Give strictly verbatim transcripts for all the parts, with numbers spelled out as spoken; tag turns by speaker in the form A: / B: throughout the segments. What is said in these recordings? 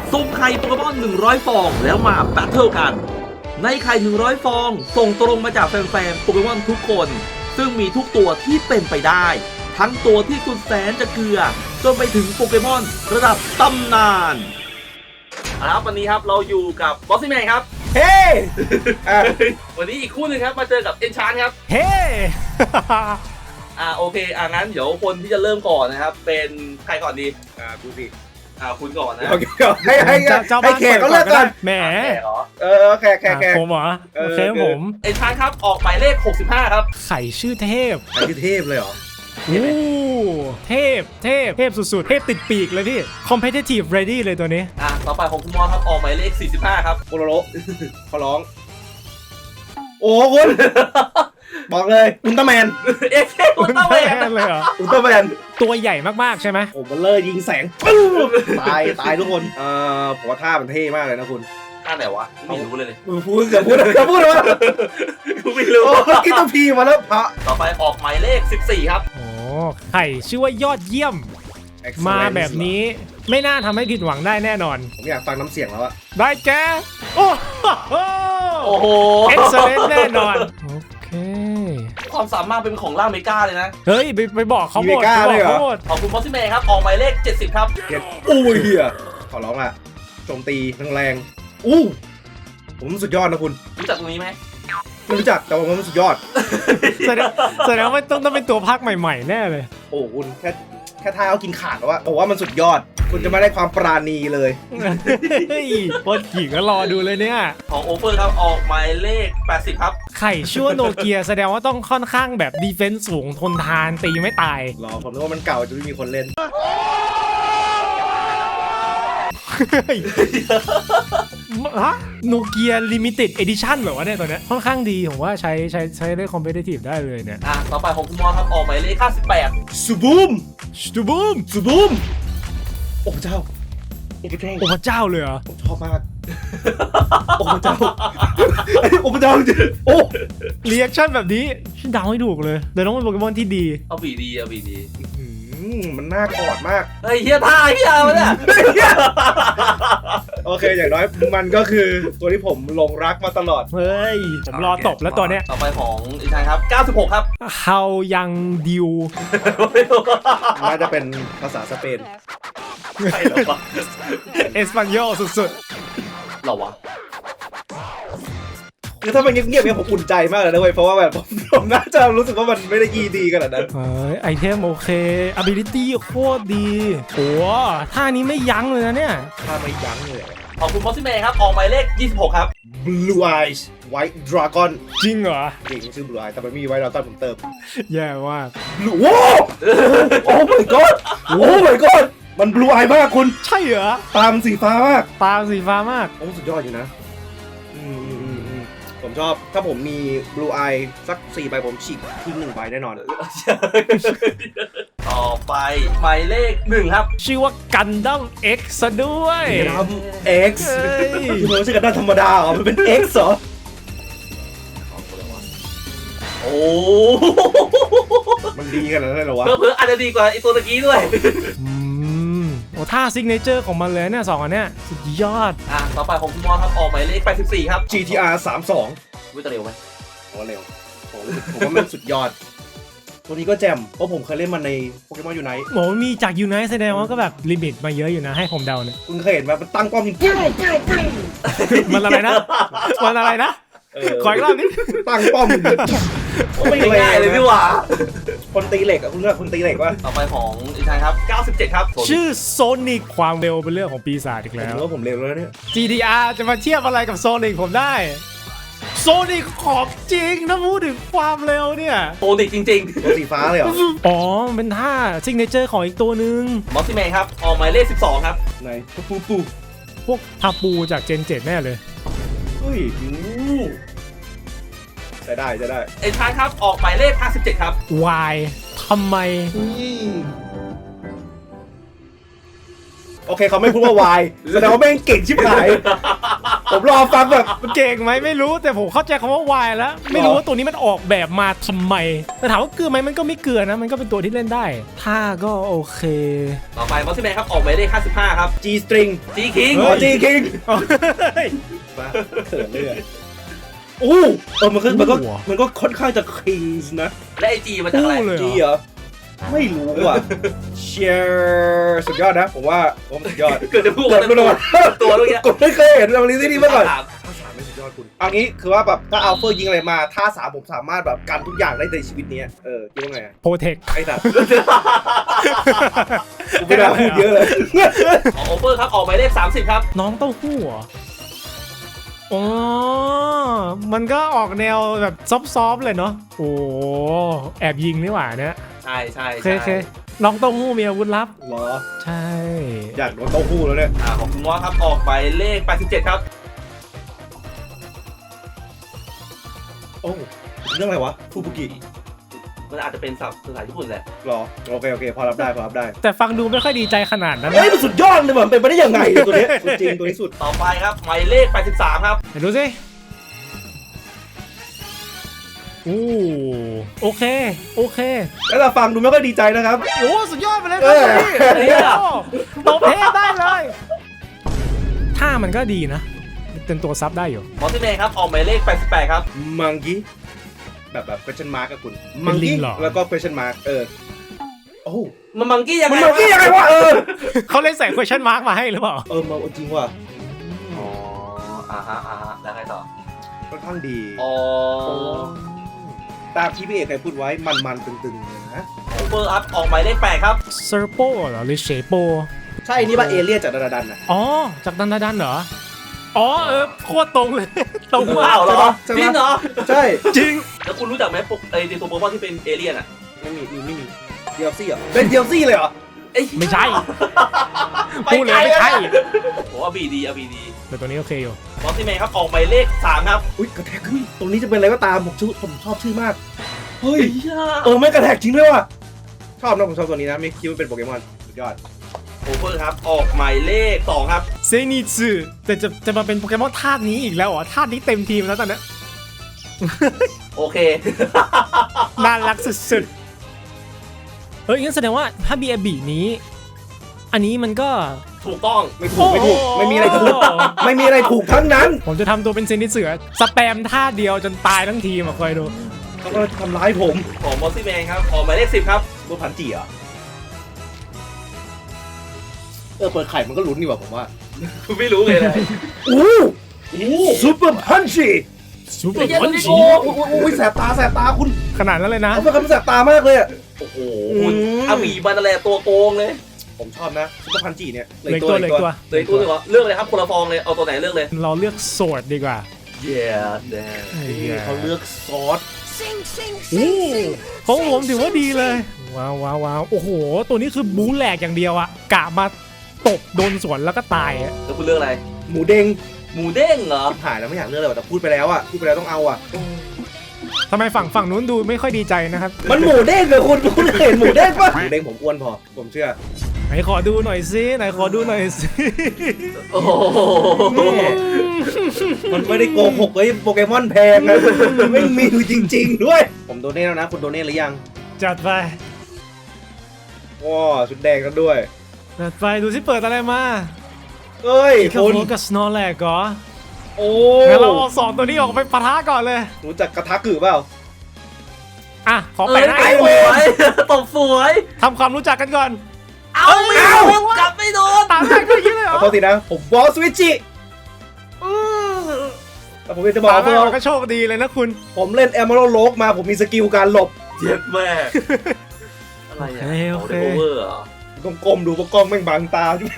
A: สุ่มไข่โปเกมอนหนึ่งร้อยฟองแล้วมาแบทเทิลกันในไข่หนึ่งร้อยฟองส่งตรงมาจากแฟนๆโปเกมอนทุกคนซึ่งมีทุกตัวที่เป็นไปได้ทั้งตัวที่สุดแสนจะเกลือจนไปถึงโปเกมอนระดับตำนานครับวันนี้ครับเราอยู่กับบอสซี่แมนครับ
B: เฮ้
A: วันนี้อีกคู่หนึ่งครับมาเจอกับเอนชานครับ
B: เฮ้
A: อ่าโอเคอ่างั้นเดี๋ยวคนที่จะเริ่มก่อนนะครับเป็นใครก่อนดี
B: อ่ากูสิ
A: อ่าคุณก่อนนะ
B: ให้ให้ให้แขกก็เลิกกัน
C: แหม
A: เหรอ
B: เออแขกแขกแขก
C: ผมเหรอโอเคผม
A: เอนชานครับออกหมายเลขหกสิบห้าครับ
C: ไข่ชื่อเทพ
B: ชื่อเทพเลยเหรอ
C: โอ้เทพเทพเทพสุดๆเทพติดปีกเลยพี่ competitive ready เลยตัวนี้
A: อ่ะต่อไปของคุณมอครับออกหมายเลขสี่สิบห้าครับ
B: โคโรโรขอร้องโอ้คุณบอกเลยอุลตร้าแมน
A: เอ็กซ์อุลตร้าแมน
C: เลยเหรอ
B: อุลตร้าแมน
C: ตัวใหญ่มากๆใช่ไหม
B: โอ้มันเลยยิงแสงตายตายทุกคนเอ่อผมว่าท่ามันเท่มากเลยนะคุณ
A: ท่าไหนวะไม่รู้เลยเลย
B: พูดจะพูดจะพูดว่า
A: กูไม่รู้
B: กินตัวพีมาแล้วพระ
A: ต่อไปออกหมายเลขสิบสี่ครับ
C: โอ้ไข่ชื่อว่ายอดเยี่ยมมาแบบนี้ไม่น่าทำให้ผิดหวังได้แน่นอน
B: ผมอยากฟังน้ำเสียงแล้วอะ
C: ได้แกโอ้โห
A: โอ้โห
C: excellent แน่นอนโอเค
A: ความสามารถเป็นของล่าเมกาเลยนะ
C: เฮ้ยไปไปบอกเขาหมดไปบอกเขาหมด
A: ขอบคุณบอสซี่แมนครับออกหมายเลขเจ็ดสิบครับ
B: อุ้ยเฮียขอร้องอะโจมตีแรงๆอู้ผมสุดยอดนะคุณ
A: รู้จักตรงนี้ไหม
B: ไม่รู้จักแต่ว่ามันสุดยอด
C: แสดงแสดงว่าต้องต้องเป็นตัวพักใหม่ๆแน่เลย
B: โอ้คุณแค่แค่ท้ายเอากินขาดแล้วว่าผมว่ามันสุดยอดคุณจะไม่ได้ความปราณีเลย
C: เฮ้ยพอขี่ก็รอดูเลยเนี่ย
A: ของโอเฟอร์ครับออกหมายเลขแปดสิบครับ
C: ไข่ชั่วโนเกียแสดงว่าต้องค่อนข้างแบบดีเฟนส์สูงทนทานตีไม่ตาย
B: รอผมนึกว่ามันเก่าจะไม่มีคนเล่น
C: ฮะโนเกียลิมิเต็ดเอดิชั่นเหรอวะเนี่ยตัวเนี้ยค่อนข้างดีผมว่าใช้ใช้ใช้ได้คอมเพลติฟได้เลยเนี่ย
A: อ่ะต่อไปของคุณมอครับออกหมายเลขห้าสิบแปด
B: ซูบูม
C: ซูบูม
B: ซูบูมโอ้พระเจ้าโอ้พระเจ้า
C: โอ้พระเจ้าเลยเหรอ
B: ผมชอบมากโอ้พระเจ้าโอ้พระเจ้าจริงโอ้
C: รีแอคชั่นแบบนี้ฉันเดาให้ถูกเลยเดี๋ยวต้องเป็นโปเกมอนที่ดี
A: เอาบีดีเอาบีดี
B: มันน่ากอดมาก
A: เฮ้ยเฮียท่าเฮียมาเนี่ย
B: โอเคอย่างน้อยมันก็คือตัวที่ผมหลงรักมาตลอด
C: เฮ้ยผมรอตบแล้วตัวเนี้ย
A: ต่อไปของอีกทางครับเก้าสิบหกครับ
C: How Young Diu
B: น่าจะเป็นภาษาสเปน
A: ใช่หรอวะ
C: เอสปันโยสุด
A: ๆหรอวะ
B: คือถ้ามันเงียบๆเนี่ยผมอุ่นใจมากเลยนะเว้ยเพราะว่าแบบผมน่าจะรู้สึกว่ามันไม่ได้ยีดีขนาดนั้น
C: เฮ้ยไอเทมโอเค ability โคตรดีโอ้ท่านี้ไม่ยั้งเลยนะเนี่ย
B: ท่าไม่ยั้งเลย
A: ขอบคุณบอสซี่แมนครับออกหมายเลขยี่สิบหกครับ
B: Blue Eyes White Dragon
C: จริงเหรอ
B: จริงชื่อ Blue Eyes แต่มันมี White Dragon ผมเติม
C: แย่มาก
B: โอ้โอ้ my god โอ้ my god มัน Blue Eye มากคุณ
C: ใช่เหรอ
B: ตามันสีฟ้ามาก
C: ตาสีฟ้ามาก
B: โอ้สุดยอดอยู่นะผมชอบถ้าผมมี Blue Eye สักสี่ใบผมฉีกทิ้งหนึ่งใบแน่นอน
A: ต่อไปหมายเลขหนึ่งครับ
C: ชื่อว่ากันดั้ม X ซะด้วย
B: กันดั้ม X มันไม่ใช่กันดั้มธรรมดาหรอมันเป็น X เหรอ
A: โอ้
B: มันดีขนาดนั้นเหรอวะ
A: เพิ่มอาจจะดีกว่าไอตัวตะกี้ด้วย
C: โอ้ท่าซิกเนเจอร์ของมันเลยเนี่ยสองอันเนี้ยสุดยอด
A: อ่ะต่อไปของคุณมอครับออกหมายเลขแปดสิบสี่ครับ
B: จี ที อาร์ สามสิบสอง
A: วิ่งเร็วไหม
B: โอ้เร็วผมผมว่ามันสุดยอดตัวนี้ก็แจ่มเพราะผมเคยเล่นมันในโปเกมอนยูไนท์
C: โหมีจากยูไนท์แสดงว่าก็แบบลิมิตมาเยอะอยู่นะให้ผมเดาเนี่ย
B: คุณเคยเห็นมันตั้งป้อมยิง
C: มันอะไรนะมันอะไรนะขออีกรอบนิด
B: ตั้งป้อม
A: ไม่ง่ายเลยพี่หว่า
B: คนตีเหล็กอะคุณเลือกคนตีเหล็กวะ
A: ต่อไปของอีกทางครับเก้าสิบเจ็ดครับ
C: ชื่อโซนิกความเร็วเป็นเรื่องของปีศาจอีกแล้ว
B: ผมว่าผมเร็วแล้วเนี่ย
C: จี ที อาร์ จะมาเทียบอะไรกับโซนิกผมได้โซนิกของจริงนะพูดถึงความเร็วเนี่ย
A: โซนิกจริง
B: ๆตัวสีฟ้าเลยเหรอ
C: อ๋อเป็นท่าซิกเนเจอร์ของอีกตัวหนึ่ง
A: บอสซี่แมนครับออกหมายเลขสิบสองครับ
B: ไหนปูปู
C: พวกทาปูจากเจนเจ็ดแน่เลย
B: เฮ้ยจะได้จะได้
A: เอ็นชานครับออกหมายเลขห้าสิบเจ็ดครับ
C: Y ทำไม
B: โอเคเขาไม่พูดว่า Y แสดงว่าแม่งเก่งชิบหายผมรอฟังแบบ
C: มันเก่งไหมไม่รู้แต่ผมเข้าใจคำว่าวายแล้ว ไม่รู้ว่าตัวนี้มันออกแบบมาทำไมแต่ถามว่าเกลือไหมมันก็ไม่เกลือนะ มันก็เป็นตัวที่เล่นได้ท่าก็โอเค
A: ต่อไปมอสซี่แมนครับออกหมายเลขห้าสิบห้าครับ
B: G string
A: จีคิง
B: อ๋อ G king มาเขินเลยอู้เออมันก็มันก็มันก็ค่อนข้างจะ kings นะ
A: และไอจีมาจากอะไร
B: G เหรอไม่รู้ว่ะเชียร์สุดยอดนะผมว่าผมสุดยอด
A: เกิดจะพูด
B: กดไม่โดน
A: ตัวเมื่อกี้
B: กดไม่เคยเห็นเราลิซี่นี่มาก่อน
A: ถาม
B: ท่าสามไม่สุดยอดคุณเอางี้คือว่าแบบถ้าอัลเฟอร์ยิงอะไรมาท่าสามผมสามารถแบบกันทุกอย่างได้ในชีวิตนี้เออคิดว่าไงอะ
C: โปรเทค
B: ไอ้สัตว์กูไม่ได้พูดเยอะเลย
A: ออกโอเวอร์ครับออกหมายเลขสามสิบครับ
C: น้องเต้าหู้เหรออ๋อมันก็ออกแนวแบบซอฟๆเลยเนาะโอ้แอบยิงนี่หว่าเนี่ย
A: ใช่ใช่
C: โอเค
A: ใช่
C: โอเคน้องเต้าหู้มีอาวุธลับ
B: เหรอ
C: ใช่
B: อยากโดนเต้าหู้แล้วเนี่ย
A: อ่าของคุณมอสครับออกหมายเลขแปดสิบเจ็ดครับ
B: โอ้เรื่องอะไรวะฟูบุกิ
A: มันอาจจะเป็นศัพท์ภาษาญี่ปุ่นแหละ
B: หรอโอเคโอเคพอรับได้พอรับได้
C: แต่ฟังดูไม่ค่อยดีใจขนาดนั้น
B: เฮ้ย
C: นะ
B: มันสุดยอดเลยมันเป็นไปได้ยังไงเนี่ยตัวเนี้ยสุดจริงตัวนี้สุด
A: ต่อไปครับหมายเลขแปดสิบสามครับ
C: เดี๋ยวดูสิอู้โอเคโอเค
B: แล้วเราฟังดูไม่ค่อยดีใจนะครับ
C: โอ้สุดยอดไปเลยค
B: เอ
C: รับ
B: อ
C: พี่ตบเทได้เลยท่ามันก็ดีนะเป็นตัวซับได้อยู่
A: มอสซี่แมนครับออกหมายเลขแปดสิบแปดครับ
B: มังกี้แบบแบบ question mark กับคุณ
C: เป็
B: มัง
C: นลิ
B: กี้
C: งเหรอ
B: แล้วก็ question mark เออโอ้
A: มันมังกี้ยัง
B: มัน
A: ไง
B: มังกี้ยังไงวะเออ
C: เขาเลยใส่ question mark มาให้หรือเปล่า
B: เออมาจริงว่ะ
A: อ๋ออ่าฮะอ่าฮะแล้วไงต่อ
B: ค่อนข้างดี
A: อ๋อ
B: ตามที่พี่เอกเคยพูดไว้มันมันๆตึงๆเลยนะ
A: โอเวอร์อัพออกหมายเลขแปดครับ
C: เซอร์โปเหรอหรือเชโป
B: ใช่นี่ป่ะเอเลี่ยนจากดาราดันนะ
C: อ๋อจากดันดาดันเหรออ๋อเออโคตรตรงเลย ตรงมา
A: อ้าก วเหรอ
B: ใช่ปะ
A: จริงเหรอ
B: ใช่
C: จริง
A: แล้วคุณรู้จักไหมพวกไอ้ตัวโปเกมอนที่เป็นเอเลี่ยนอ่ะ
B: ไม่มีมีไม่มีเดียลซี่เหรอเป็นเดียลซี่เลยเหรอ
A: เอ้ย
C: ไม่ใช่พูดเลยไม่ใช่
A: โอ้อาบีดีอาบีดี
C: แต่ตัวนี้โอเคอยู่
A: มอสซี่แมนครับออกหมายเลขสามครับ
B: อุ้ยกระแทกขึ้นตรงนี้จะเป็นอะไรก็ตามผมชื่อผมชอบชื่อมากเฮ้ย
A: เฮ้ย
B: เออไม่กระแทกจริงด้วยว่ะชอบนะผมชอบตัวนี้นะไม่คิดว่าเป็นโปเกมอนสุดยอด
A: โอเวอร์ครับออกหมายเลขสองครับ
C: เซนิสึแต่จะจะมาเป็นโปเกมอนธาตุนี้อีกแล้วเหรอธาตุนี้เต็มทีมแล้วตอนนี้
A: โอเค
C: น่ารักสุดๆเฮ้ยงั้นแสดงว่าถ้า บี เอ บี นี้ อันนี้มันก็
A: ถูกต้อง
B: ไม่ถูกไม่ถูกไม่มีอะไรถูกไม่มีอะไรถูกทั้งนั้น
C: ผมจะทำตัวเป็นเซนิสึสแปมท่าเดียวจนตายทั้งทีมอ่ะคอยดู
B: เขาก็ทำร้ายผม
A: ของมอสซี่แมนครับออกหมายเลขสิบครับ
B: ตัวพันจีเหรอ่ะเออเปิดไข่มันก็ลุ้นดีกว่าผมว่า
A: คุณไม่รู้เลยนะ
B: อู้อู้ซูเปอร์พันจี
C: ซูเปอ
A: ไม่
C: ร์
A: ใช่
C: พัน
A: ไม่
C: จี
A: โก
B: โอ้โหโอ้ยแสบตาแสบตาคุณ
C: ขนาดนั้นเลยนะ
B: เอาเป็นคำแสบตามากเลยอ่ะ
A: โอ้โห
B: อืม
A: อาบีบันอะไรตัวโกงเลย
B: ผมชอบนะซูเปอร์พันจีเนี่ย
C: เหล็กตัวเหล็กตัว
A: เลยตัวหนึงเหรอเลือกเลยครับคนละฟองเลยเอาตัวไหนเลือกเลย
C: เราเลือกโสดดีกว่า
A: เย้แดง
B: นี่เขาเลือกซอส
C: ของผมถือว่าดีเลย ว้าวว้าวว้าวโอ้โห ตัวนี้คือบู๊แหลกอย่างเดียวอะกะมาตบโดนสวนแล้วก็ตายอะ
A: แล้วคุณเลือกอะไร
B: หมูเด้ง
A: หมูเด้งเหรอ
B: ชิบหายแล้วไม่อยากเลือกเลยว่ะแต่พูดไปแล้วอ่ะพูดไปแล้วต้องเอาอ่ะ
C: ทำไมฝั่งฝั่งนู้นดูไม่ค่อยดีใจนะครับ
B: มันหมูเด้งเลยคุณคุณเห็นหมูเด้งปะหมูเด้งผมอ้วนพอผมเชื่อ
C: ไหนขอดูหน่อยสิไหนขอดูหน่อยสิ
A: โอ้โห
B: มันไม่ได้โกหกเลยโปเกมอนแพงนะไม่มีอยู่จริง ๆ ด้วย ผมโดเน่แล้วนะคุณโดเน่หรือยัง
C: จัดไป
B: ว้าชุดแดงกันด้วย
C: จัดไปดูสิเปิดอะไรมา
B: เอ้ย
C: คา
B: คุณ
C: โฟกับสโนว์แลกเหรอ
B: โอ้
C: งั้นเราเอาสองตัวนี้ออกไปปะทะก่อนเลย
B: รู้จักกระทะกือเปล่า
C: อ่ะ ขอ
A: เอ้
C: แปะ
A: ย
C: หน้า
A: ไอ้
C: ให้
A: ส
C: ดู
A: วยตบสวย
C: ทำความรู้จักกันก่อน
A: เอาไม่โดนกลับไม่โดน
C: ตามแรกก็อยิ้เลยเหร
B: ข
C: อ
B: อโทษทีนะผมวอลสวิตจิแต่ผมอยากจะบอก
C: ตามแร
B: ว่าก
C: มันก็โชคดีเลยนะคุณ
B: ผมเล่นแอมเบอร์โลกมาผมมีสกิลการหลบ
A: เจ็บแม่อะไรอ่ะ
C: โอเค
A: โอเวอร์เหรอ
B: ต้องก้มดูเพราะกล้องแม่งบังตาจุ๊บ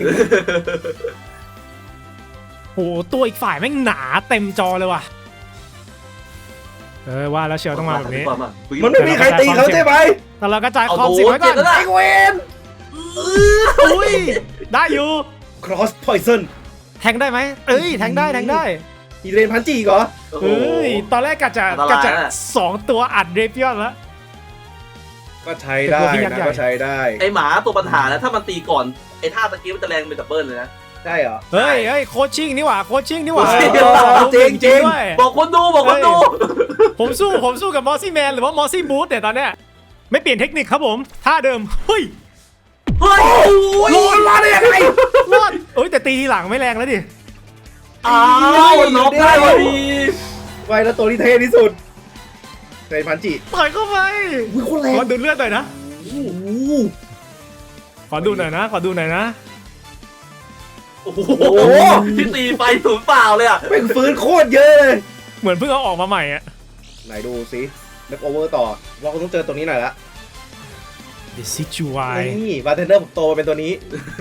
C: โหตัวอีกฝ่ายแม่งหนาเต็มจอเลยว่ะ เออว่าแล้วเชียวต้องมาแบบนี้
B: มันไม่มีใครตีเขาใช่ไหม
C: แต่เรากระจาย
A: เอา
C: ความ
A: โด
C: เสี่ยง
A: น
C: ไว้ก่
A: เจ็
C: อบ น
A: แล้วนะ
B: ไอเวน
C: อุ้ยได้อยู่
B: cross poison
C: แทงได้ไหมเอ้ยแทงได้แทงได้
B: อีเรนพันจีเหรอ
A: โอ้โห
C: เอ้ยตอนแรกกะจะ
A: อันตราย
C: กะจะ
A: น่ะ
C: สองตัวอัดเรเปียนแล้ว
B: ก็ใช้ได้
C: เป็นตัวที่ยักษ์
B: นะ
C: ใหญ่
B: ก็ใช้ได้
A: ไอหมาตัวปัญหาแล้วถ้ามันตีก่อนไอท่าตะกี้มันจะแรงเป็นดับเบิลเลยนะ
B: ใช่เหรอ
C: เฮ้ยเฮ้ยโคชชิ่งนี่หว่าโคชชิ่งนี่หว่า
B: เออ
C: จริง
B: จริง
C: ด้วย
A: บอกคนดูบอกคนดู
C: ผมสู้ผมสู้กับมอสซี่แมนหรือว่ามอสซี่บูธเนี่ยตอนเนี้ยไม่เปลี่ยนเทคนิคครับผมท่าเดิมเฮ้ย
A: เฮ้ย
B: โลนมาได้ยังไง
C: รอดเอ้ยแต่ตีทีหลังไม่แรงแล้วดิ
A: อ้าวน็อกได้พอดี
B: ไวแล้วตัวที่เท่ที่สุดเซพันจิ
C: ต่อยเข้าไป
B: อุ้ยโคตรแรง
C: ขอดูเลือดหน่อยนะ
B: โอ้โห
C: ขอดูหน่อยนะขอดูหน่อยนะ
A: โอ้โหที่ตีไปศูนย์เปล่าเลยอ่ะ
B: เป็นฟื้นโคตรเยอะเลย
C: เหมือนเพิ่งเอาออกมาใหม่อะ
B: ไหนดูสิเล็กโอเวอร์ต่อว่าคุณต้องเจอตัวนี้หน่อยละ
C: The Situai
B: นี่บาร์เทนเดอร์ผมโตมาเป็นตัวนี้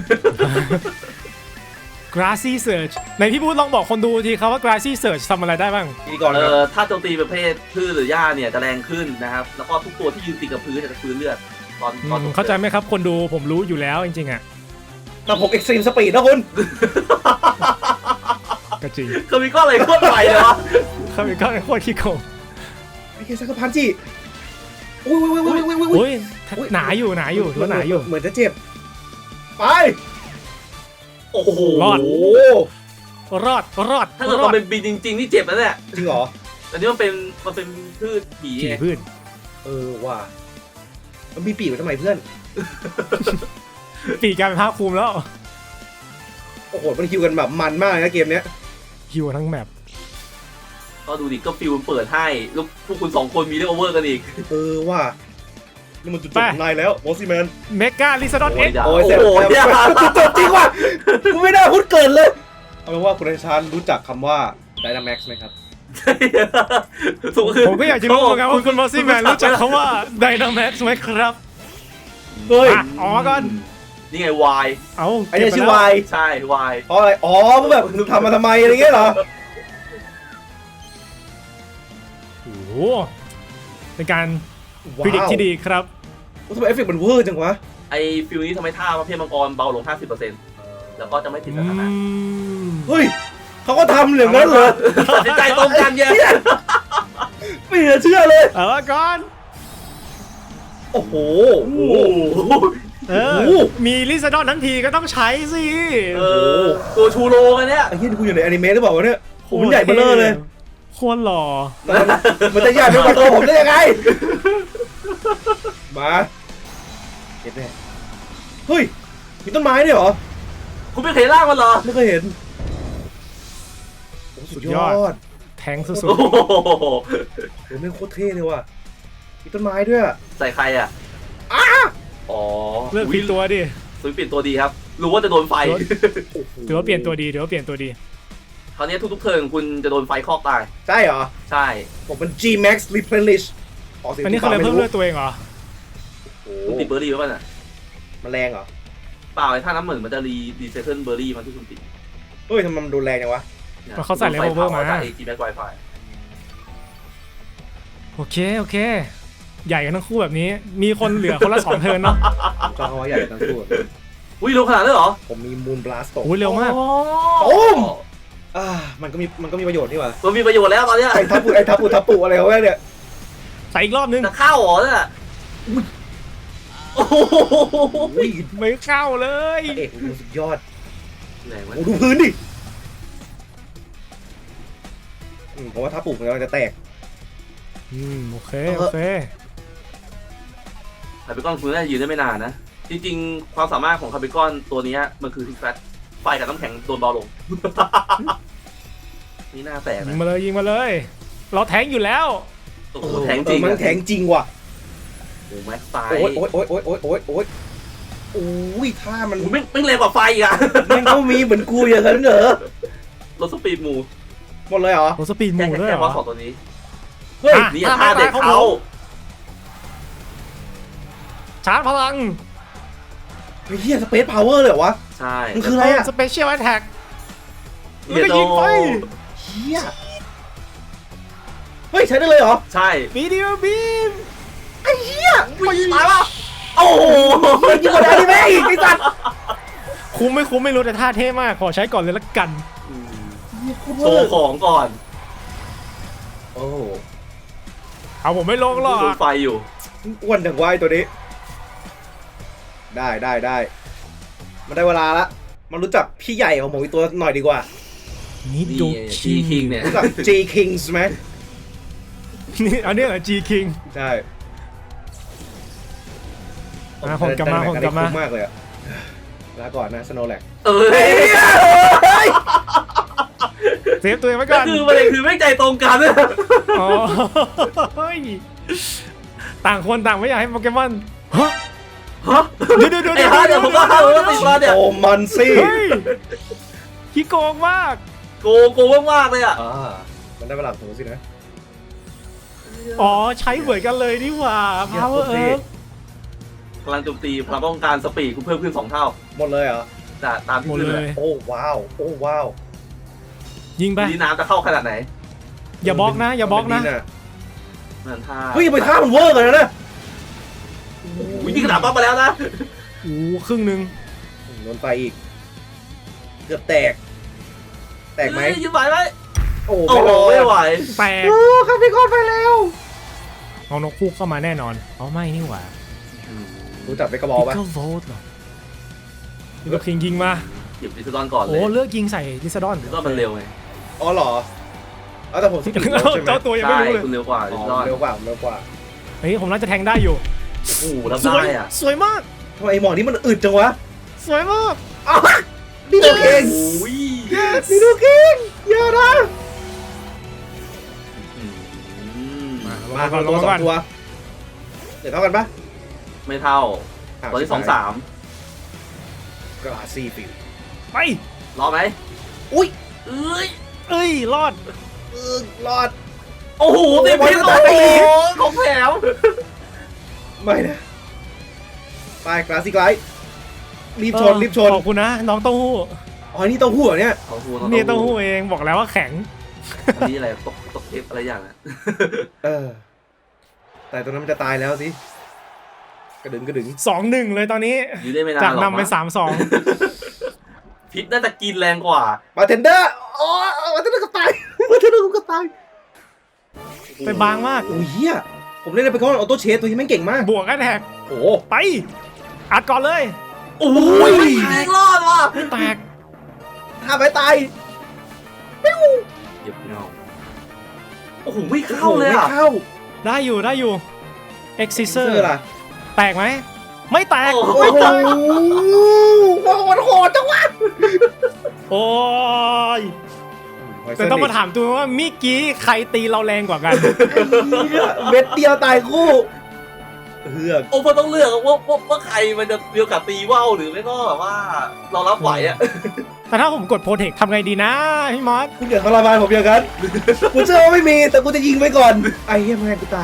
C: Grassy Surge ในพี่บูธลองบอกคนดูทีครับว่า Grassy Surge ทำอะไรได้บ้าง
B: นี่ก่อน
A: เอ
B: ครับ
A: อถ้าโจมตีประเภทพืชหรือหญ้าเนี่ยจะแรงขึ้นนะครับ แล้วก็ทุกตัวที่ยืนติดกับพื้นจะฟื้นเลือดตอนตอน
C: อืมเข้าใจไหมครับคนดูผมรู้อยู่แล้วจริงๆอะ
B: แต่ผมเอ็กซ์ตรีมสปีดนะคุณ
C: ก็จริง
A: คือมีก้อนอะไรโคตรไวเลยวะ
C: เขาเป็นก้อนโคตรขี้โกง
B: ไอ้เคซักพันจิอุ้ยอุ้ยอุ้ยอุ้ยอุ้ยอุ้ย
C: โอ้ยหนาอยู่หนาอยู่ถือว่าหนาอยู่
B: เหมือนจะเจ็บไป
A: โอ้โห
C: รอด
B: โอ้
C: รอดรอด
A: ถ้าเกิด
C: รอ
A: เรา
C: ด
A: เป็นบินจริงๆนี่เจ็บนะเนี่ย
B: จริงเหรอ
A: อันนี้มันเป็นมันเป็นพืชผี
C: ขี่
A: ไง
C: พืช
B: เออว่ะมันมีปีกไว้ทำไมเพื่อน
C: ปีกกลายเป็นภาคภูมิแล้ว
B: โอ้โหมันฮิวกันแบบมันมากเลยนะเกมเนี้ย
C: ฮิวทั้งแมป
A: ก็ดูดิก็ฟิลมันเปิดให้แล้วพวกคุณสองคนมีเรื่องโอเวอร์กันอีก
B: เออว่ะนี่มันจุดจบของนายแล้วมอสซี่แมน
C: เมกาลิซาดอนเอ็ก
A: โอ้ย
B: โอ้ยเสร็จ
A: โอ้ย
B: แล้วจุดจบจริงว่ะกูไม่น่าพูดเกินเลยเอาเป็นว่าคุณไอชานรู้จักคำว่า Dynamax ไหมครับ
C: ผมก็อยากจะรู้เหมือนกันว่าคุณมอสซี่แมนรู้จักคำว่า Dynamax ไหมครับ
B: เฮ้ย
C: อ่ะอ๋อก่อน
A: นี่ไงวาย
C: เอา
B: ไอ้เนี่ยชื่อ
C: ก็บป
B: วาย
A: ใช่วาย
B: เพราะอะไรอ๋อมึงแบบมึงทำมาทำไมอะไรเงี้ยเหรอ
C: โอ้โหเป็นการพิจิตที่ดีครับ
B: ทำไมเอฟเฟกต์มันเวอร์จังวะ
A: ไอฟิลนี้ทำให้ท่าประเภทมังกรเบาลง ห้าสิบเปอร์เซ็นต์ แล้วก็จะไม่ติดส
C: อื
A: ถานะ
C: ม
B: เฮ้ยเขาก็ทำอย่างนั้นเลย
A: ตัดสินใจตรงกันเยอะ
B: ไม่เหลือเชื่อเลย
C: เอาละก่อน
B: โอ้โห
A: โอ้โห
C: เออ
B: โอ้โห
C: มีลิซาดอนทั้งทีก็ต้องใช้สิ
A: เออตัวชูโรงอันเนี้ย
B: ไอ้เหี้ยนี่กูอยู่ในอนิเมะหรือเปล่าวะเนี่ยโอ้โหมันใหญ่เบ้อเร่อเลย
C: โคตรหล่อ
B: แต่มันมันจะใหญ่ไปกว่าตัวผมได้ยังไง มาเห็นไหมเฮ้ย มีต้นไม้ด้วยเหรอ
A: คุณไม่เคยล่างมันเหรอ
B: ไม่เคยเห็นโอ้สุดยอด
C: แทงสุด
A: โอ้โห
B: โอ้แม่งโคตรเท่เลยว่ะ มีต้นไม้ด้วยอะ
A: ใส่ใครอ่ะอ๋อ
C: ๆเลือกผิดตัวดิ
A: สุดเปลี่ยนตัวดีครับ รู้ว่าจะโดนไฟ
B: โอ้โห
C: ถือว่าเปลี่ยนตัวดีถือว่าเปลี่ยนตัวดี
A: คราวนี้ทุกๆเทิร์นคุณจะโดนไฟคอกตาย
B: ใช่เหรอ
A: ใช่
B: ผมเป็น G Max Replenish อ๋อสิ
C: อันนี้เขาเลยเพิ่มเลือดตัวเองเหรอ
B: โอ้
A: คุณติดเบอร์รี่ไว้ป่ะน่ะ
B: มันแรงเหรอ
A: เปล่าไอ้ท่าน้ำเหมือนมันจะรีรีเซตเทิลเบอร์รี่มาที่คุณติด
B: เฮ้ยทำไมมันดูแรงจังวะ
A: นี่ย
C: ก็เขาใส่ level มา
A: จาก เอ จี Max Wi-Fi
C: โอเคโอเค ใหญ่กันทั้งคู่แบบนี้ มีคนเหลือคนละสองเทิร์นเนาะ
B: ผมจองเอาไว้ใหญ่ทั้งคู่
A: อุ้ยรู้ขนาดนั้นเหรอ
B: ผมมี Moon Blast ตก
C: โอ้ยเร็วมาก
A: โอ้
B: ม อ่ามันก็มีมันก็มีประโยชน์นี่หว่า
A: มันมีประโยชน์แล้วตอนเนี้ย
B: ไอ้ทับปุไอ้ทับปุทับปุอะไรเขาเนี่ย
C: ใส่อีกรอบนึง
A: จะเข้าเหรอเนี่ยโอ้โห
B: อุ้ย
C: ไม่เข้าเลย
B: เอกมันสุดยอด
A: ไหนวะ
B: โอ้ดูพื้นดิอืมผมว่าทับปุมันกำลังจะแตก
C: อืมโอเคโอเค
A: คาร์บิคอนคุณน่าจะยืนได้ไม่นานนะ จริงๆ ความสามารถของคาร์บิคอนตัวเนี้ยมันคือทิกแฟตไฟกับน้ำแข็งโดนเบาลง นี่หน้าแตก
C: ยิ
A: นะ
C: งมาเลยยิงมาเลย เราแทงอยู่แล้ว
A: โอ้โหแทงจริง
B: เออมันแทงจริงว่ะ
A: โอ้โหแม็กไฟ
B: โอ้ยโอ้ยโอ้ยโอ้ยโอ้ยโอ้ยโอ้ยโอ้ยท่ามัน
A: โอ้โหไม่ไม่เร็วกว่าไฟอีกอะ
B: มันก็มีเหมือนกูอย่างนั้นเหรอ
A: รถสปีดหมู
B: หมดเลยเหรอ
C: โอ้สปีดห
A: แค่
C: มูด้วย
A: แค่
C: เหร
A: เพราะ
C: อ
A: สองตัวนี้
B: เฮ้ย
C: อ่ะ
A: นี่ท่าเด็กเขา
C: ชาร์จพลัง
B: ไอ้เหี้ยสเปซพาวเวอร์เลยเหรอวะ
A: ใช่
B: มันคืออะไรอะ
C: สเปเชียลแอทแทก
A: เดี๋ยว
C: แล้วก็ยิงไป
B: เหี้ยเฮ้ยใช้ได้เลยเหรอ
A: ใช่
C: วิดีโอบีม
B: ไอ้เหี้ย
A: วิ่งตายป่ะโอ้โห
B: มันยิ่งกว่าอนิเมะอีกไอ้สัตว์
C: คุ้มไม่คุ้มไม่รู้แต่ท่าเท่มากขอใช้ก่อนเลยละกัน
A: โชว์ของก่อน
B: โอ้
C: เอาผมไม่ลงหรอก
A: โดนไฟอยู่
B: อ้วนจังวายตัวนี้ ได้ได้ได้มันได้เวลาละมารู้จักพี่ใหญ่ของผมอีกตัวหน่อยดีกว่า
C: นิโด
A: นี่จี
C: คิ
A: คิง
C: ง
A: เนี่ย
B: รู้จัก G Kings ไหม
C: นี่อันนี้เหรอ G King
B: ใช่
C: อ่ะผมกลับมาผมกลับมา
B: คุ้มากเลยอะลาก่อนนะ Snorlax
A: เอ้ย
C: เซฟตัวเองไว้
A: ก็
C: ก่อน
A: คือประเด็นคือไม่ใจตรงกัน
C: อ๋อเฮ้ยต่างคนต่างไม่อยากให้โปเกมอนฮะ
A: ฮะ
C: เดี๋ยวเดี๋ยวเดี๋ยว
A: ไอ้ฮะเดี๋ยวผมก็เข้าแล้วติดมาเนี่ย
B: โอ้มันสิ
C: เฮ้ยขี้โกงมาก
A: โกงโกงมากๆเลยอ่ะ
B: อ่ามันได้เวลาของผมสินะ
C: อ๋อใช้เหมือนกันเลยนี่หว่า Power
B: เยี่ยม
C: Earth
A: พลังโจมตีพลังป้องกันสปีดคุณเพิ่มขึ้นสองเท่า
B: หมดเลยเหรอ
A: แต่ตามที่
C: หมด
A: ขึ้น
C: เล
A: เลย ย
B: โอ้ว้าว โอ้ว้าว
C: ยิงไป
A: ดีน้ำจะเข้าขนาดไหน
C: อย่าบล็อกนะ อย่าบล็อกนะ
A: เหมือนท่า
B: เฮ้ยไปท่ามันเวอร์กันนะ
A: วิธีขนาดปั๊บมาแล้วนะ
C: โอ้ครึ่งหนึ่ง
B: โดนไฟอีก เกือบแตก แตกไหม
A: เอ้ยยืมไหวไหม
B: โอ้
A: โอ้โหไม่ไหว
C: แตก
B: โอ้ครับพี่กอนไปแล้ว
C: เอานกคู่เข้ามาแน่นอนเอาไม่นี่หว่า
B: รู้จักไปกระบอกปะ
C: Pickle Volt เหรอลิเวอร์คิงยิงมา
A: หยิบดิสดอนก่อนเล
C: โอ้
A: ย
C: เลือกยิงใส่ลิซาดอน
A: ดิสดอนมันเร็วไง
B: อ๋อเหรอเอาแต่ผมสกิลเร็วใช่ไหม
C: เจ้าตัวยังไม่
A: ใช่
C: รู้เลย
A: คุณเร็วกว่าดิ
B: อ๋อ
A: สดอน
B: เร็วกว่าผมเร็วกว่า
C: เฮ้ยผมน่าจะแทงได้อยู่
A: โอ้โหรับ
C: สว
A: ได้
C: ย
A: อ่ะ
C: สวยมาก
B: ทำไมไอ้หมอนี่มันอึดจังวะ
C: สวยมาก
B: อ้าวนี่ดูเก่ง
A: โอ้ย
B: นี่ดูเก่งอย่านะ
A: อืม
B: มาคนละตัวสองตัวเดี๋ยวเท่ากันปะ
A: ไม่เท่าตอนที่สองสาม
B: กราซี่ฟิว
C: ไป
A: รอไหม
B: อุ้ย
A: เอ้ย
C: เอ้ยรอด
B: เออรอด
A: โอ้โหเต็มพิษ
B: โอ้
A: โอ้
B: โห
A: โหของแถม
B: ไม่นะไปกราซี่ไกด์รีบชนรีบชน
C: ขอบคุณนะน้องเต้าหู้
B: อ๋อนี่เต้าหู้เหรอเนี่ย
A: เขาหู
C: นี่เต้าหู้เองบอกแล้วว่าแข็ง
A: อันนี้อะไรตกตกเทปอะไรอย่างนะ
B: เออ แต่ตอนนั้นมันจะตายแล้วสิ กระดึงกระดึง
C: สองหนึ่งเลยตอนนี้
A: อยู่ได้ไม่นานหร
C: จาก
A: อก
C: นำไปสามสอง
A: พิษน่าจะกินแรงกว่า
B: บาร์เทนเดอร์อ๋อบาร์เทนเดอร์ก็ตายบาร์เทนเดอร์ก็ตาย
C: ไปบางมาก
B: โอ้ยเฮียผมเล่นไปก่อนออโต้เชสตัวที่แม่งเก่งมาก
C: บวกกันแท็ก
B: โอ้
C: ไป อัดก่อนเลย
A: โอ้ยแรงรอดว่ะ
C: ไม่แตก
B: ถ้าไปตาย
A: เหยียบเงาโอ้โหไม่เข้าเลย
B: ไม่
A: อ่ะ
B: เข้า
C: ได้อยู่ได้อยู่ e x c i s
B: เซ
C: e
B: อ
C: r
B: ร์ล่ะ
C: แตกไหม ไม่แตก
A: โอ้โห
B: โอ้โหมันโหดจังวะ
C: โอ้ยแต่ต้องมาถามตัวว่าเมื่อกี้ใครตีเราแรงกว่ากัน
B: เม็ดเดียวตายคู่เฮือก
A: โอ้พอต้องเลือกว่าว่าว่าใครมันจะมีโอกาสตีว่าวหรือไม่ก็แบบว่าเรารับไหวอ่ะ
C: แต่ถ้าผมกดโปรเทคทำไงดีนะพี่มอส
B: คุณอย่าทรมานผมอย่างนั้นกูเชื่อว่าไม่มีแต่กูจะยิงไปก่อนไอ้เหี้ยแม่งกูตาย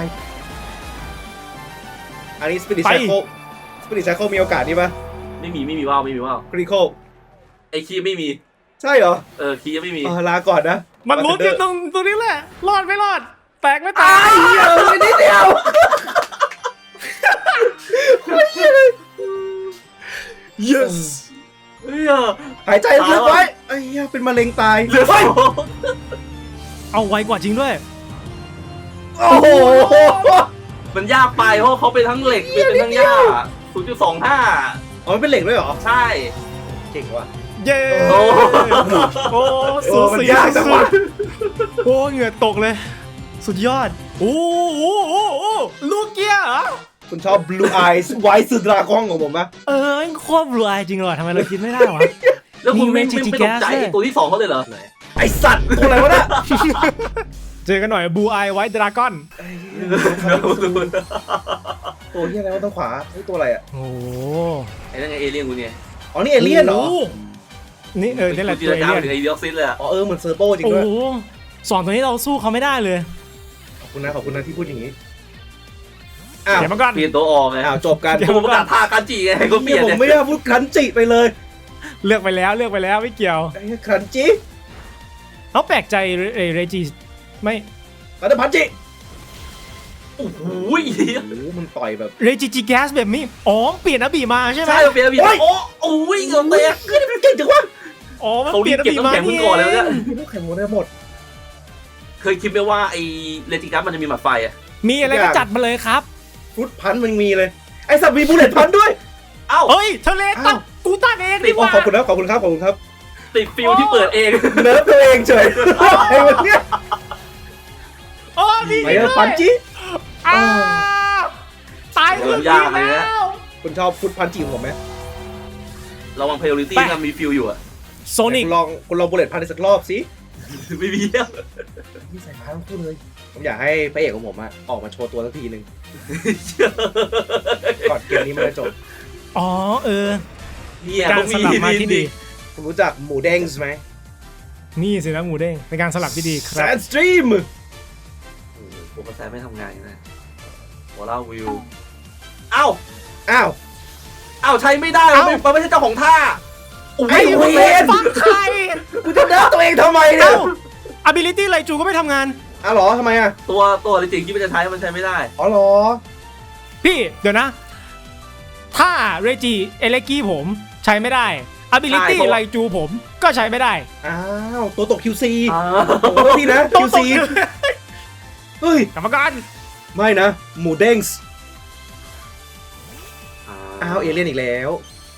B: อันนี้สปิริตไซโคสปิริตไซโคมีโอกาสนี่ปะ
A: ไม่มีไม่มีว่าวไม่มีว่าว
B: คริโค
A: ไอคีไม่มี
B: ใช่เหรอ
A: เออคียังไม่มี
B: เออลาก่อนนะ
C: มันลุ้นกันตรงตรงนี้แหละ รอดไม่รอด แตกไม่แต
B: ตาก ยเหี้ยไม่นิดเดียว
C: yes
A: เฮ้ย
B: หายใจลึกๆไว้ไอ้เหี้ยเป็นมะเร็งตาย
A: เหลือสอง
C: เอาไวกว่าจริงด้วย
B: โอ้โห
A: มันยากไปเพราะเขาเป็นทั้งเหล็กเป็นทั้งหญ้าศูนย์จุดสองห้า
B: อ๋อมันเป็นเหล็กด้วยเหรอ
A: ใช่
B: เก่งว่ะ
C: เย้
A: โอ้
C: โอ้สู
B: โอ้มัน
C: สี
B: ยากจัง
C: สุ
B: วะ
C: ดโอ้เหงื่อตกเลย สุดยอด โอ้โหโอ้โหลูกเกียร์เหรอ
B: คุณชอบ Blue Eyes White สุดราก้องของผมปะ
C: เออโคตรบลูอายจริงเหรอทำไมเราคิดไม่ได้วะ
A: แล้วคุณไม่
C: มี
A: ไม่
C: Magic
A: ไม่ตกใจ
C: Gas
A: ไอ้ตัวที่สองเขาเลยเหรอ
B: ไอสัตว์ตัวอะไรวะเนี่ย
C: เจอกันหน่อยบูอายไวท์ดราก้อน
B: ไอ้เหี้ยตัวเหี้ยอะไรวะต้องขวาไอ้ตัวอะไรอ่ะ
C: โอ้โห
A: ไอ้นั่นไงเอเลี่ยนกูเนี่ย
B: อ๋อนี่เอเลี่ยนเหรอ
C: โโนี่เออนี่แหละ
A: กู
C: ตัวเอ
A: จินตนาการ
C: เลี่ยน
A: ถึงไอ้เดียซิสเลยอะ
B: อ๋อเออเหมือนเซอร์โบจริง
C: โอ้
B: ด้วย
C: โหสองตัวนี้เราสู้เขาไม่ได้เลย
B: ขอบคุณนะขอบคุณนะที่พูดอย่างนี้อ้าว
C: เดี๋ยวมาก่อน
A: เปลี่ยนตัวออกไง
B: อ้าวจบกัน
C: เดี๋ยว
A: กูประกาศท่ากันจีไงก็เปลี่ยน
B: ผม
A: เนี่ย
B: ไม่ได้พูดครันจิไปเลย
C: เลือกไปแล้วเลือกไปแล้วไม่เกี่ยว
B: ไอ้เหี้ยครันจิ
C: เขาแปลกใจเรเรเรจิไม่
B: ครันพันจิ
A: โอ้โห
B: โอ้โหมันต่อยแบบ
C: เรจิจิแกสแบบนี้อ๋อเปลี่ยนอบีมาใช่ไหม
A: ใช่เปลี่ยนเปลี่ยนโอ้โอ้ยเกือบเตะ
B: เฮ้ยมันเก่งจังวะ
C: อ๋อมัน
A: เขา
C: เป
A: รี
C: ลี่ย
A: บ
C: นอ
A: เก็บ
C: บี
A: น้ำ
C: มา
A: แข็งมึงก่อนแล้วเนี่ย
B: ลูกแข่งหมดได้หมด
A: เคยคิดไหมว่าไอ้เลติกัสมันจะมีหมัดไฟอะ
C: มีอะไรก็จัดมาเลยครับ
B: ฟุตพันมันมีเลย ไอสัตว์มีบูเลตพันด้วย
A: เอ้าา
C: เฮ้ยทะเลตัดกูตัดเองดีก
B: โอ้
C: ว่า
B: ขอบคุณนะขอบคุณครับขอบคุณครับ
A: ติดฟิลที่เปิดเอง
B: เนิร์ฟตัวเองเฉยไอ้วันเนี้ย
C: โอ้ดี
B: ไปเออปันจิ
C: อ้าวตายคนดีแล้ว
B: คุณชอบฟุตพันจิของผมไหม
A: ระวังเพลย์ลิตี้นะมีฟิลอยู่อะ
C: โซนิก
B: คุณลองคุณลองบุลเลตพันอีกสักรอบสิ
A: ไม่มีแล้ว
B: นี่ใส่ฟ้าทั้งคู่เลยผมอยากให้พระเอกของผมอะออกมาโชว์ตัวสักทีหนึ่งก่อนเกมนี้มันจะจบ
C: อ๋อเออ
A: เนี่ย
C: การ
A: ต้อง
C: ส
A: มี
C: ลับมาที่ดี
B: คุณรู้จักหมูเด้งไหม
C: นี่สินะหมูเด้งเป็นการสลับที่ดีค
B: แซ
C: รับ
B: นสตรีม
A: ผมกระแสไม่ทำงานนะหัวเล่าวิวเอ้า
B: อ้าว
A: เอ้าใช้ไม่ได้มันไม่มันไม่ใช่เจ้าของท่า
B: ไอ้
C: ไอ้
B: เว
C: เวน
B: ร
C: ฟังใคร
B: กูจะเดินตัวเองทำไมเนี่ย
C: เอ้า ability ไรจูก็ไม่ทำงาน
B: อ้าวเหรอทำไมอะ
A: ตัวตัวจริงๆที่มันจะใช้มันใช้ไม่ได้
B: อ๋อเหรอ
C: พี่เดี๋ยวนะ ถ้าเรจิเอเลกี้ผมใช้ไม่ได้ ability
A: ใช่เพราะ
C: ไรจูผมก็ใช้ไม่ได้
B: อ้าวตัวตก คิว ซี
A: อ่า
B: โอ้พี่นะ
C: ต้อง
B: คิว
C: ต
B: ซี
C: ก
B: เฮ้ย
C: กรรมการ
B: ไม่นะ หมูเด้งส์อ้าวเอเลี่ยนอีกแล้ว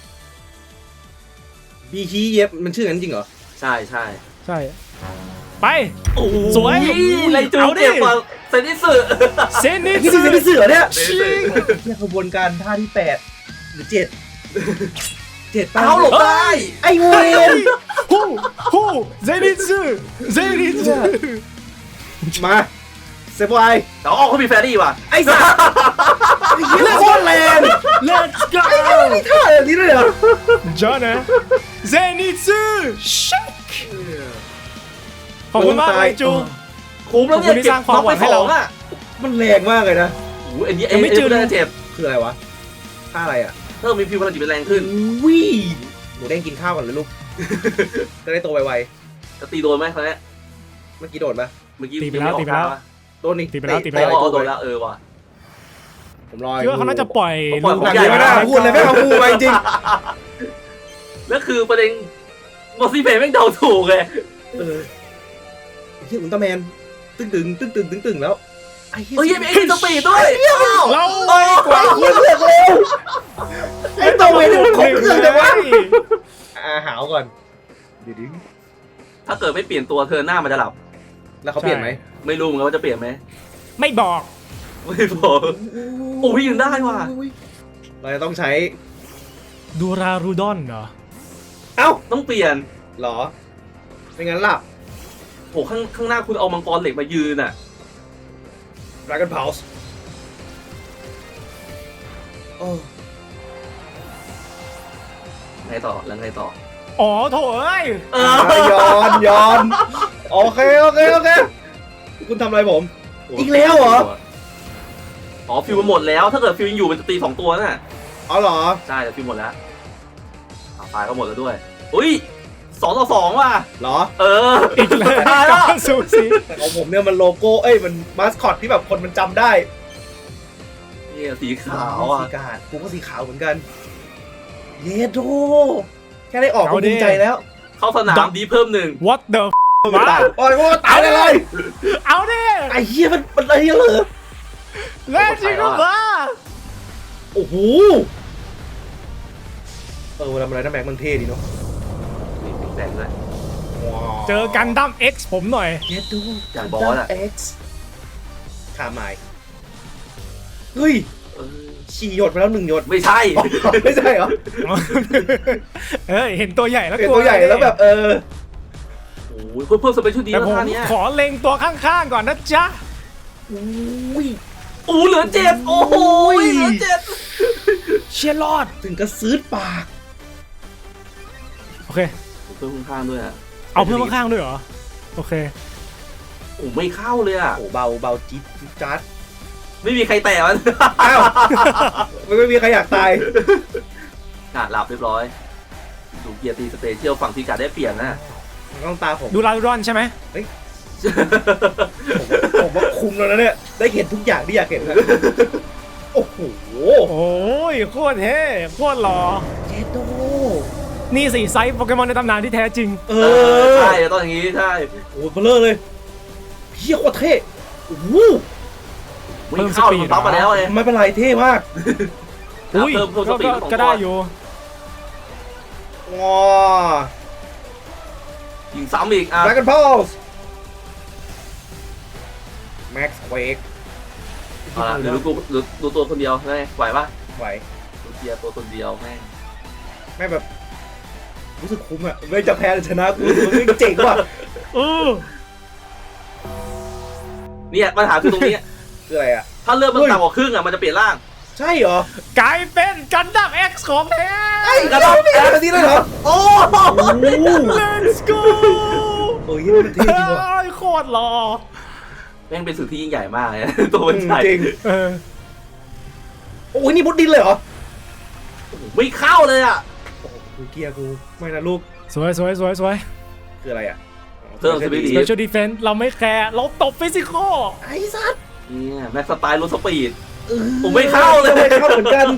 B: บีฮีเย็บมันชื่อนั้นจริงเหรอ
A: ใช่ใช่
C: ใช่ ไป
A: โอ้โห
C: สวย
A: ไรจู
C: เอาดิ
A: เก็บกว่าเซนิสึ
C: เซนิ
B: นี่คือสิ่งที่เสือเนี่ย
A: เซนิสึ
B: เนี่ยขบวนการท่าที่แปดหรือเจ็ดเจ็ดป้า
A: เอาหลบได้
B: ไอ้เวน
C: ฮู้ฮู้เซนิซึเซนิซึ
B: มาเซฟไว
A: แต่ว่าออกเขามีแฟรี่ว่ะ
B: ไอ้สัสไอ้เหี้ยโคตรแรง
C: Let's go
B: มีท่าแบบนี้ด้วยเหรอ
C: จอนะเซนิซึชักขอบคุณมากไรจู
A: คุ้มแล้วเนี่ย
C: ขอบคุณที่สร้างความหวังให้เรา
A: น็อกไปสองอะ
B: มันแรงมากเลยนะ
A: โอ้โหอันนี้
C: ยังไม่เจอ
A: เอ็นเจ็บ
B: คืออะไรวะท่าอะไรอ่ะ
A: เพิ่มมีฟิวพลังจิตเป็นแรงขึ้น
B: วิหมูเด้งกินข้าวก่อนเลยลูกจะได้โตไว
A: จะตีโดนไหมครั้งนี้
B: ๆเมื่อกี้โดนปะ
A: เมื่อกี้
C: ตีไปแล้ว
A: ยังม่ออก
C: ตีไปแล้ว
A: ท่า
B: โดนนี่
C: ตีไปแล้วตีไป
A: อ๋
C: แล้ว
A: อโดนแล้วเออว่ะ
B: ผมรอ
C: คิดว่าเขาน่าจะปล่อย
A: ปล่อย
C: ลูก
A: ผม
B: หนัง
A: ใหญ่
B: ไม่ได้พูดเลยไม่เอาพูดไปจริง
A: แล้วคือประเด็นมอสซี่เพย์แม่งเดาถูกเลย
B: เออเฮียอุลตร้าแมนตึ้งตึงตึ้งตึงตึงตึงแล้วไอ้เฮีย
A: เฮ้ยยังมีไอ้สปีดด้วย
C: เรา
A: โอ้ย
B: กว่าเฮียเลือกเร็วไอ้ตัวเวรนี่มันครบเครื่องจังวะอ่าหาวก่อนเดี๋ยวดิ
A: ถ้าเกิดไม่เปลี่ยนตัวเธอหน้ามันจะหลับ
B: แล้วเขาเปลี่ยนไหม
A: ไม่รู้เหมือนกันว่าจะเปลี่ยนไหม
C: ไม่บอก
A: ไม่บอกโอ้ยยังได้ว่ะ
B: เราจะต้องใช้
C: ดูรารูดอนเหรอ
B: เอ้า
A: ต้องเปลี่ยน
B: หรอไม่งั้นหลับ
A: โอ้ข้างข้างหน้าคุณเอามังกรเหล็กมายืนอ่ะ
B: Dragon Pulse โอ้
A: ไงต่อแล้วไงต่อ
C: อ๋อโถเอ้ย
A: เอ
B: ย้อนย้อนโอเคโอเคโอเคคุณทำอะไรผม อีกแล้วเหรอ
A: อ๋อฟิวมันหมดแล้วถ้าเกิดฟิวยังอยู่มันจะตีสองตัวน่ะ
B: อ๋อเหรอ
A: ใช่แต่ฟิวหมดแล้วอ่าตายก็หมดแล้วด้วยอุ้ยสองต่อสองว่ะ
B: เหรอ
A: เออ
C: อีกเลย
A: ตายแล้ว
C: การสูสี
B: แต่ของผมเนี่ยมันโลโก้เอ้ยมันมาสคอตที่แบบคนมันจำได้
A: นี่สีขาวอ่ะ
B: สีกาดกูก็สีขาวเหมือนกัน เยโดแค่ได้ออกก็ภูมิใจแล้ว
A: เข้าสนามดีเพิ่มหนึ่ง
C: What the f- วะ
B: โอ้ยโอ้ยตายเลยเลย
C: เอาดิ
B: ไอ้เหี้ยมันมันอะไรเหรอ
C: เล่นจริงหรือเปล่า
B: โอ้โหเออเวลามันอะไรนะแม็กมันเท่ดีเนาะ
A: นี่ปิดแสงด้วย
B: ว้าว
C: เจอกันดั้ม X ผมหน่อย
B: เยโด
A: อย่างบอสอะ
B: เอ็กซ์คาไมายเฮ้ย
A: เออ
B: ฉี่หยดไปแล้วหนึ่งหยด
A: ไม่ใช่
B: ไม่ใช่เหรอ
C: เอ้ยเห็นตัวใหญ่แล้ว
B: เป็น
C: กลั
B: ตัวใหญ่แล้วแบบเออ
A: โอ้ยเพิ่มเพิ่มสเปเชียลดี
C: แต่
A: แล้ว
C: ผม
A: ท่าเนี้ย
C: ขอเล็งตัวข้างๆก่อนนะจ๊ะ
B: อุ้ย
A: โอ้เหลือเจ็ดโอ้โหเหลือเจ็ด
C: เชียร์รอด
B: ถึงกระซื้อปาก
C: โอเค
A: เพิ่มข้างๆด้วยอ่ะ
C: เอาเพื่อนข้างๆด้วยเหรอ โอเค
A: โอ้ไม่เข้าเลยอ่ะ
B: โอ้เบาเบาจี๊ดจี๊ดจัด
A: ไม่มีใครแตะมัน
B: อ้าวไม่ไม่มีใครอยากตาย
A: กาดหลับเรียบร้อยดูเกียร์ตีสเปเชียลฝั่งที่กาดได้เปลี่ยนนะ
B: ต้องตาผม
C: ดูรารูดอนใช่ไหม
B: ผมว่าคุมแล้วนะเนี่ย ได้เห็นทุกอย่างที่อยากเห็นแล้วโอ้โห
C: โอ้ยโคตรเท่โคตรหล่อ
B: เจโด
C: นี่สิไซส์โปเกมอนในตำนานที่แท้จริง
B: เอ
A: เออ
B: อ
A: ใช่ต้องอย่างงี้ใช่
B: โอ้โหเบลอเลยเฮียโคตรเท่โอ้โห
A: ไม่เข้ามันปั๊บมาแล้วไง
B: ไม่เป็นไรเท่มาก
C: อุ้ย
A: เพิ่มเพิ่มส
C: ก็
A: ปีด
C: ก็
A: ของ
C: ก็
A: ตัว
C: ได้อยู่
B: งอ
A: ยิงซ้ำอีกอ่ะ
B: Dragon Pulse Max Quake
A: เอาละเดี๋ยวดูกูดูดูตัวคนเดียวได้ไหวปะ
B: ไหว
A: ดูเกียร์ตัวคนเดียวแม่ง
B: ไม่แบบ รู้สึกคุ้มอะไม่จะแพ้หรือชนะกูรู้สึกว่าเจ๋งว่ะ
C: เออ
A: เนี่ยปัญหาคือตรงนี้
B: คืออะไรอะ
A: ถ้าเลือดมันต่ำกว่าครึ่งอ่ะมันจะเปลี่ยนร่าง
B: ใช่เหรอก
C: ลายเป็นกันดั้ม X ของแท้
B: ไอ้กระโดดแพ้แบบนี้เลยเหรอ
A: โอ้
C: Let's go
B: โอ้ยนี่มันเท่จริงว่ะ
C: เฮ้ยโคตรหล่อ
A: แม่งเป็นสิ่งที่ยิ่งใหญ่มากเลยนะ ตัวมันใหญ่
B: จริง
C: เออ
B: โอ้ยนี่มุดดินเลยเหรอ
A: ไม่เข้าเลยอ่ะ
B: โอ้โหกูเกียร์กูไม่นะลูก
C: สวยสวยสวยสวย
B: คืออะไรอะ
A: เพิ่มสปีด
C: Special Defense เราไม่แคร์เราตบฟิสิกอล
B: ไอ้สัตว์
A: เนี่ยแม็กสไตล์รถสปีด
B: เออ
A: ผมไม่เข้าเลย
B: ไม่เข้าเหมือนกัน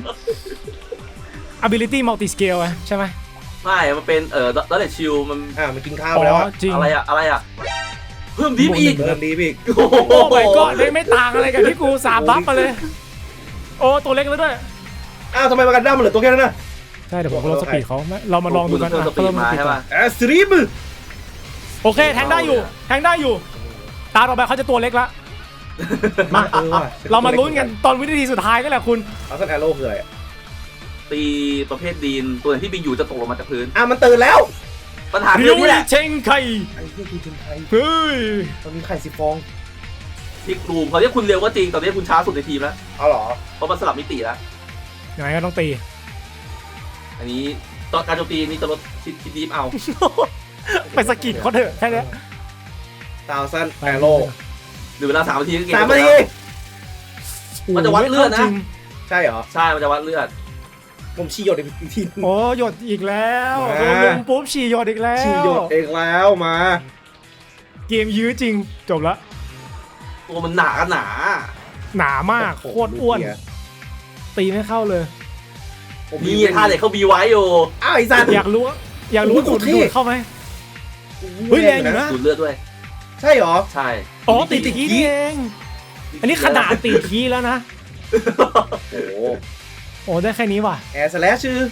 C: Ability Multi Scale อะใช่ไหม
A: ไม่มันเป็นเอ่อดัลเลชิลมัน
B: อ่ามันกินข้าวไปแล้วอะ
C: จริง
A: อะไรอะอะไรอะเพิ่มดิฟอีก
B: เริ่มดีอีก
A: โอ้โห
C: โอ้ my god ไม่ไม่ต่างอะไรกับที่กูสามบัฟมาเลย โอ้ตัวเล็กแล้วด้วย
B: อ้าวทำไมมากันด้ามมันเหลือตัวแค่นั้นน่ะ
C: ใช่เดี๋ยวผมลดสปีดเขาไม่เรามาลองดูกัน
A: เพิ่ม
C: อ่ะ
A: สปีดมา
C: สปีด
A: ใช่
C: ก่อ
A: ป่ะ
C: น
B: แอสตรีม
C: โอเคแทงได้อยู่แทงได้อยู่ ตาต่อไปเขาจะตัวเล็กละ มา
B: เออว่ะ
C: เรามาลุ้นกันตอนวินาทีสุดท้ายก็แหละคุณ
B: เอาสักแอโร่คืออะไรอะ
A: ตีประเภทดีนตัวไหนที่บินอยู่จะตกลงมาจากพื้น
B: อ่ะมันตื่นแล้ว
A: ปัญหาคื
C: ริ
A: อ
C: ว
A: นี่แหละ
C: เชงไค
B: ไอ้เหี้ยคือทีมไทย
C: เฮ้ย
B: มันมีไข่สิบฟอง
A: ที่กลุ่มเขาเรียกคุณเร็วก็จริงตอนนี้คุณช้าสุดในทีมแล้ว
B: เอาเหรอ
A: เพราะมันสลับมิติแล้ว
C: ยังไงก็ต้องตี
A: อันนี้ตอนการโจมตีนี่จะลดชิดชิดดีฟเอา
C: ไปสกิดเขาเถอะแค่เนี้ย
B: ตาวซันแอโร่
A: หรือเวลาสามนาทีก็เกม
B: สาม
A: จบ
B: นา
A: แล้ว
B: ที
A: มันจะวัดเลือดนะ
C: จริง
B: ใช่เหรอ
A: ใช่มันจะวัดเลือด
B: ผมชี้หยดอีกที
C: โอ้หยดอีกแล้ว
B: มา
C: โดนลุมปุ๊บฉี่หยดอีกแล้ว
B: ชี้หยดเองแล้วมา
C: เกมยื้อจริงจบละ
A: ตัวมันหนากันหนา
C: หนามากโคตรอ้วน ตีไม่เข้าเลย
B: ผม
A: มีท่าเหล็กเขาบีไว้อยู่
B: อ้าวไอ้สัตว์
C: อยากรู้ว่าอยากรู้ว่า
B: โอ้
C: ดู
B: โห
C: ด
B: เท่
C: ดูดเข้าไหม เฮ้ยแรงอยู่นะ
A: ดูดเลือดด้วย
B: ใช่เหรอ
A: ใช่
C: อ๋อตีตีคีนี่เอง อันนี้ขนาดตีคีแล้วนะ
B: โอ้โห
C: โอ้ได้แค่นี้ว่ะ
B: แอร์สแลชชื่อ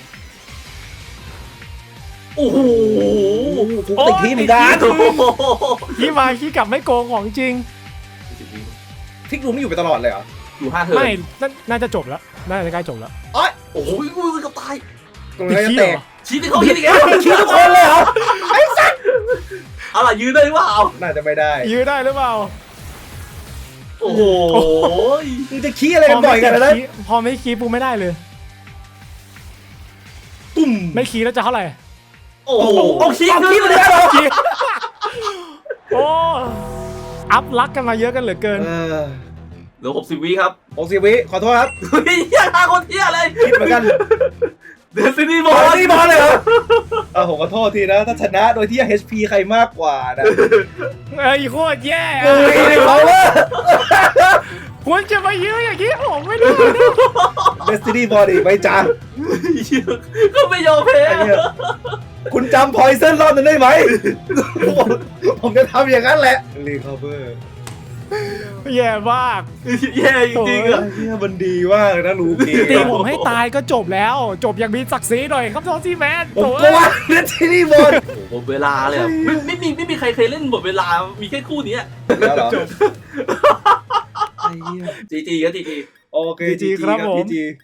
A: โอ้โห
B: ฟุกติดที่เหมือนกัน
A: โอ้โห
C: คีมาคีกลับไม่โกงของจริง
B: ทิกรูไม่อยู่ไปตลอดเลยเหรอ
A: อยู่ห้าเทิร์
C: ไม่
A: น
C: น่าน่าจะจบแล้วน่าจะใกล้จบแล้ว
B: โอ้ย
A: โอ้โหกูเกับตาย
B: ตรง
C: ตี
B: นี้จะ
C: คี
B: แต
C: เหร
B: ก
C: อ
A: ชี้ที่เขาคิดอีกแล้ว
B: ชี้ทุกคนเลยเหรอ
A: เอาล่ะยืนได้หรือเปล่า
B: น่าจะไม่ได้
C: ยื้อได้หรือเปล่า
A: โอ้โห
B: มึงจะขี้อะไรกันบ่อยกันนะ
C: พไม่คีพอไม่คีปูไม่ได้เลย
B: ตุ่ม
C: ไม่คีแล้วจะเท่าไหร่
A: โอ้โห
B: เอาขี้เอาขี้มาเลยเหรอ
C: คีโอ้อัพลักกันมาเยอะกันเหลือเกิน
B: เออ
A: เหลือหกสิบวิครับ
B: หกสิบวิขอโทษครับ
A: เฮ้ยเหี้ยฆ่าคนเที่ยเลย
B: คิดเหมือนกัน
A: เดซินี่บบ อ
B: อ
A: ล
B: ลนี่บอลเลยเหรอเออผมขอโทษทีนะ ถ้าชนะโดยที่ เอช พี ใครมากกว่านะ
C: เอ้ยโคตรแย่
B: เฮ้ยเขาว่า
C: ควรจะมายื้ออย่างนี้ผมไม่ได้นะ
B: เดสตินีบอดี้ไม่จ้า
A: ก็ไม่ยอมแพ้
B: ไอ้เนี่ยคุณจำพอยเซนรอบนั้นได้ไหม ผมผมจะทำอย่างนั้นแหละรีคาเวอร์
C: แย่มาก
A: แย่จริงๆอ่ะ
B: ไอ้เนี่ยมันดีมากเลยนะลูกี้
C: ตีผมให้ตายก็จบแล้ว จบอย่างมีศักดิ์ศรีหน่อยครับทอซี่แมน
B: ผม
C: โถ่
B: ก็ว่าเดสตินีบอล
A: โอ้โหหมดเวลาเลยอะไม่ไม่มีไม่มีใครเคยเล่นหมดเวลา มีแค่คู่นี้
B: แล้วเหรอไอ้เหี้ย
A: จีจีก็จีจี
B: โอเค
C: จีจีครับผม
B: จีจี